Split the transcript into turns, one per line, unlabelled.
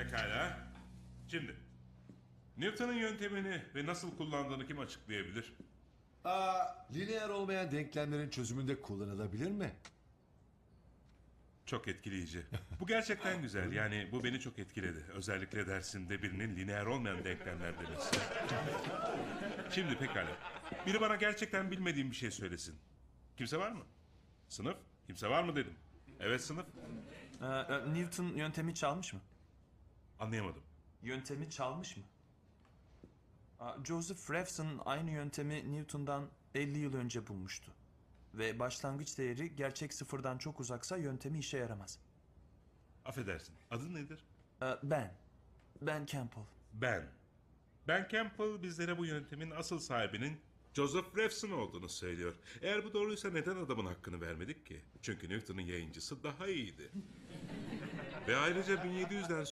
Pekala. Şimdi, Newton'un yöntemini ve nasıl kullandığını kim açıklayabilir?
Lineer olmayan denklemlerin çözümünde kullanılabilir mi?
Çok etkileyici. Bu gerçekten güzel. Yani bu beni çok etkiledi. Özellikle dersinde birinin lineer olmayan denklemler demesi. Şimdi pekala. Biri bana gerçekten bilmediğim bir şey söylesin. Kimse var mı? Sınıf? Kimse var mı dedim. Evet sınıf.
Newton yöntemi çalmış mı?
Anlayamadım.
Yöntemi çalmış mı? Joseph Revson aynı yöntemi Newton'dan 50 yıl önce bulmuştu. Ve başlangıç değeri gerçek sıfırdan çok uzaksa yöntemi işe yaramaz.
Affedersin. Adın nedir?
Ben Campbell.
Ben. Ben Campbell bizlere bu yöntemin asıl sahibinin Joseph Revson olduğunu söylüyor. Eğer bu doğruysa neden adamın hakkını vermedik ki? Çünkü Newton'un yayıncısı daha iyiydi. Ve ayrıca 1700'den